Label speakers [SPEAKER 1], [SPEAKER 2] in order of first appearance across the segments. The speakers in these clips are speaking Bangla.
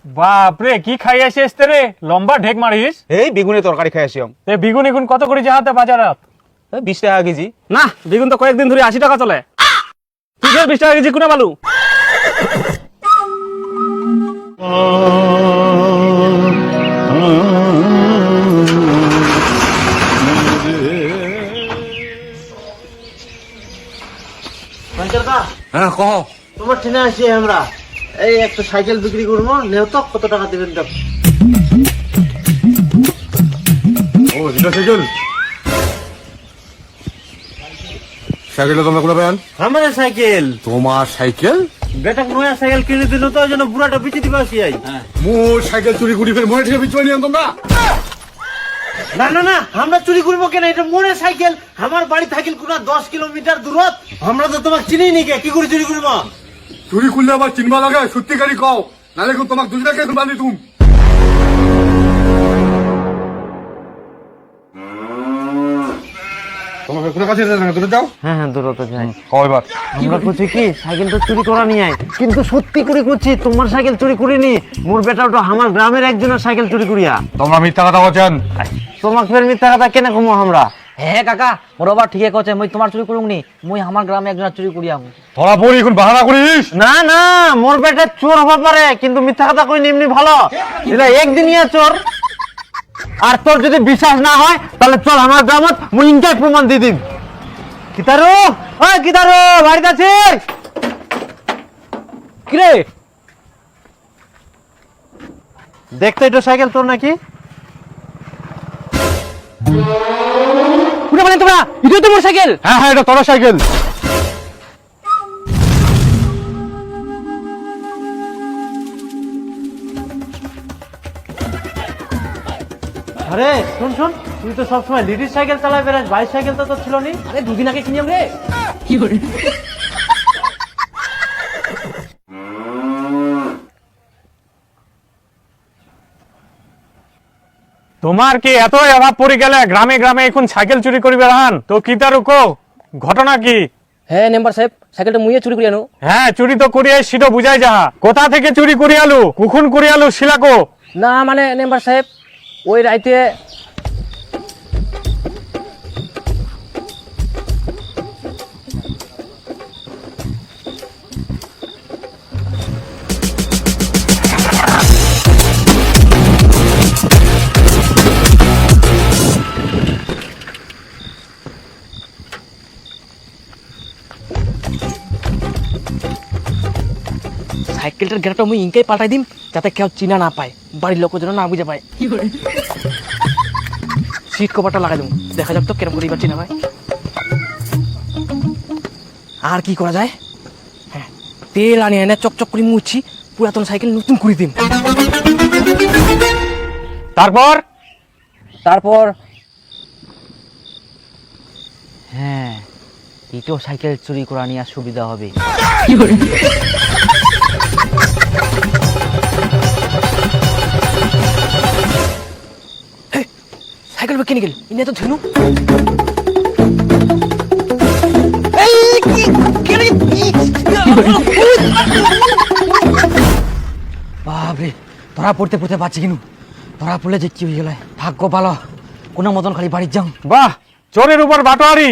[SPEAKER 1] বাপরে কি খাই আসিস রে, লম্বা ঢেক মারিস।
[SPEAKER 2] এই বেগুনের তরকারি খাই আসি।
[SPEAKER 1] বেগুন এখন কত করে যাহাতে বাজারত?
[SPEAKER 2] 20 টাকা কেজি।
[SPEAKER 1] না, বেগুন তো কয়েকদিন ধরে 80 টাকা চলে। তুই 20 টাকা কেজি কোনে বালু?
[SPEAKER 2] হ্যাঁ কহ।
[SPEAKER 3] তোমার ট্রেনে আসি আমরা, এই একটা সাইকেল বিক্রি করবো, নেও তো কত টাকা দেবেন? দেখ
[SPEAKER 2] ও এটা সাইকেল। সাইকেলটা তোমরা কোথায় পেলেন?
[SPEAKER 3] আমার সাইকেল।
[SPEAKER 2] তোমার সাইকেল?
[SPEAKER 3] বেটা নয়া সাইকেল কিনে দিল তো, ওই জন্য বুড়াটা বিচে দিবা আসি।
[SPEAKER 2] মোর সাইকেল চুরি করি ফের মনে থেকে বিচুয়া নিয়ে তোমরা?
[SPEAKER 3] না না না, আমরা চুরি করবো কেন? এটা মোড়ের সাইকেল, আমার বাড়ি থাকিল কোন 10 কিলোমিটার দূরত। আমরা তো তোমাকে চিনি নি, কি করে চুরি করবো?
[SPEAKER 2] চুরি করলে আবার চিনবা লাগে, সত্যিকারই কও, নালে কিন্তু তোমাকে দুজনাকে বাঁধি তুম। তোমাকে কোন কাছে যাও?
[SPEAKER 3] হ্যাঁ হ্যাঁ, দূরত যাই।
[SPEAKER 2] কয়বার
[SPEAKER 3] আমরা করছি কি, সাইকেল তো চুরি করা নিয়ে আয়, কিন্তু সত্যি করে করছি, তোমার সাইকেল চুরি করিনি। মোর বেটা ওটা আমার গ্রামের একজনের সাইকেল চুরি করিয়া।
[SPEAKER 2] তোমরা মিথ্যা কথা বলছেন।
[SPEAKER 3] তোমাকে ফের মিথ্যা কথা কেন কমো আমরা?
[SPEAKER 4] হ্যাঁ কাকা, মোর আবার ঠিকই কছে, মই তোমার চুরি করুম নি, মই আমার গ্রামে একজন চুরি করিয়াম।
[SPEAKER 2] ধরা পড়ি এখন বাহানা করিস?
[SPEAKER 3] না না, মোর বেটা চোর হতে পারে, কিন্তু মিথ্যা কথা কই এমনি ভালো। এটা একদিনিয়া চোর। আর তোর যদি বিশ্বাস না হয় তাহলে চল আমার গ্রামত, মুই ইনকাই প্রমাণ দিয়ে দিম। কিতারু, ওই কিতারু, বাড়িতে আছিস? কিরে দেখতো এটা সাইকেল তোর নাকি?
[SPEAKER 4] পুরো মানে তোমরা, এটা তো মোর সাইকেল।
[SPEAKER 2] হ্যাঁ হ্যাঁ, এটা তোর সাইকেল।
[SPEAKER 3] আরে শুন শুন, তুই তো সবসময় লিডিস সাইকেল চালাই বেড়াস, বাইক সাইকেল তো তোর ছিল নি?
[SPEAKER 4] আরে দুদিন আগে কিনিয়াম রে। কি করে?
[SPEAKER 1] তোমার কি এত অভাব পড়ে গেলে গ্রামে গ্রামে এখন সাইকেল চুরি করি বেড়ান? তো কি তার কো ঘটনা কি?
[SPEAKER 4] হ্যাঁ মেম্বার সাহেব, সাইকেলটা মুইয়ে চুরি করিয়ানো।
[SPEAKER 1] হ্যাঁ, চুরি তো করিয়ে সেটা বুঝাই যাহা। কোথা থেকে চুরি করি আলু, কুকুন করি আলু শিলাকো?
[SPEAKER 4] না মানে মেম্বার সাহেব, ওই রাইতে সাইকেলটার গেটটা মুই ইনকাই পাল্টাই দিম, যাতে কেউ চিনা না পায়, বাড়ির লোক যেন না বুঝে পায়। সিট কভারটা লাগাই দেবো, দেখা যাক তো কেরম করে এবার চিনা পায়। আর কি করা যায়? হ্যাঁ, তেল আনি এনে চকচক করে মুছি, পুরাতন সাইকেল নতুন করে দিম।
[SPEAKER 1] তারপর
[SPEAKER 4] তারপর হ্যাঁ, এটাও সাইকেল চুরি করা নিয়ে সুবিধা হবে। সাইকেল কিনে গেল, ইনে তো ধেনু। বাপরে, ধরা পড়তে পড়তে বাঁচি কিনু। ধরা পড়লে যে কি হয়ে গেল, ভাগ্য ভালো, কোনো মতন খালি বাড়ির যাও।
[SPEAKER 1] বাহ, চোরের উপর বাটোয়ারি।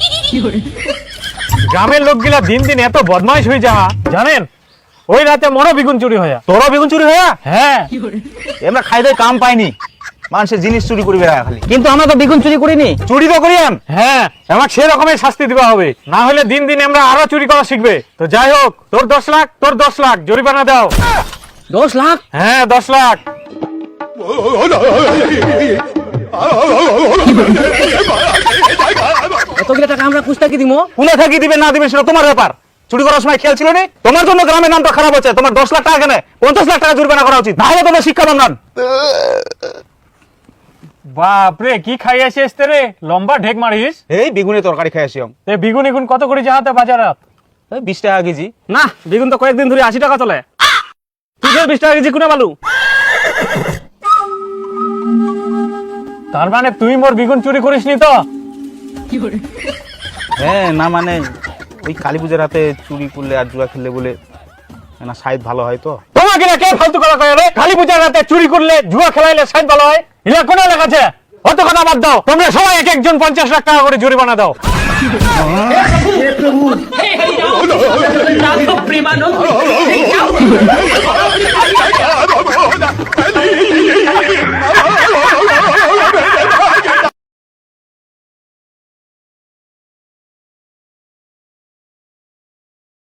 [SPEAKER 1] গ্রামের লোকগুলা দিন দিন এত বদমাইশ হয়ে যাহা, জানেন? ওই রাতে মরো বেগুন চুরি হয়া।
[SPEAKER 2] তোরা বেগুন চুরি হয়ে?
[SPEAKER 1] হ্যাঁ,
[SPEAKER 2] আমরা খাইতে কাম পাইনি, মানুষের জিনিস চুরি করি বেড়া খালি।
[SPEAKER 4] কিন্তু আমরা তো বেগুন চুরি করিনি।
[SPEAKER 2] চুরি তো করিয়াম।
[SPEAKER 1] হ্যাঁ, আমাকে সে রকমের শাস্তি দিবা হবে, না হলে দিন দিন আমরা আরো চুরি করা শিখবে। তো যাই হোক, তোর 10 লাখ, তোর 10 লাখ জরিমানা দাও।
[SPEAKER 4] 10 লাখ?
[SPEAKER 1] হ্যাঁ, 10 লাখ।
[SPEAKER 4] এতগুলো টাকা আমরা কুস্তাকি দিব?
[SPEAKER 2] কোনে থাকি দিবে না দিবে সেটা তোমার ব্যাপার। চুরি করার সময় খেয়াল ছিল না? তোমার জন্য গ্রামের নামটা খারাপ হচ্ছে। তোমার 10 লাখ টাকা কেন 50 লাখ টাকা জরিমানা করা উচিত, না হলে তোমার শিক্ষা বন্ধন।
[SPEAKER 1] বাপরে কি খাই আসিস রে, লম্বা ঢেক মারিস।
[SPEAKER 2] এই বেগুনের তরকারি খাই আসি।
[SPEAKER 1] বেগুন এখন কত করে যাহাতে বাজারত?
[SPEAKER 2] 20 টাকা কেজি।
[SPEAKER 1] না, বেগুন তো কয়েকদিন ধরে 80 টাকা চলে। তুই 20 টাকা কেজি কোনে বালু? তার মানে তুই মোর বেগুন চুরি করিস নি তো?
[SPEAKER 2] হ্যাঁ, না মানে ওই কালী পূজার রাতে চুরি করলে আর জুয়া খেললে বলে না সাইড ভালো হয় তো।
[SPEAKER 1] তোমার কিনা কে ফালতু কথা কয় রে? কালী পূজার রাতে চুরি করলে জুয়া খেলাইলে সাইড ভালো হয়? ইলা কোন লেখাছে? অত কথা বাদ দাও, তোমরা সবাই এক একজন 50 লাখ টাকা করে জরিমানা দাও।
[SPEAKER 5] हे हरिनाम प्रेमानंद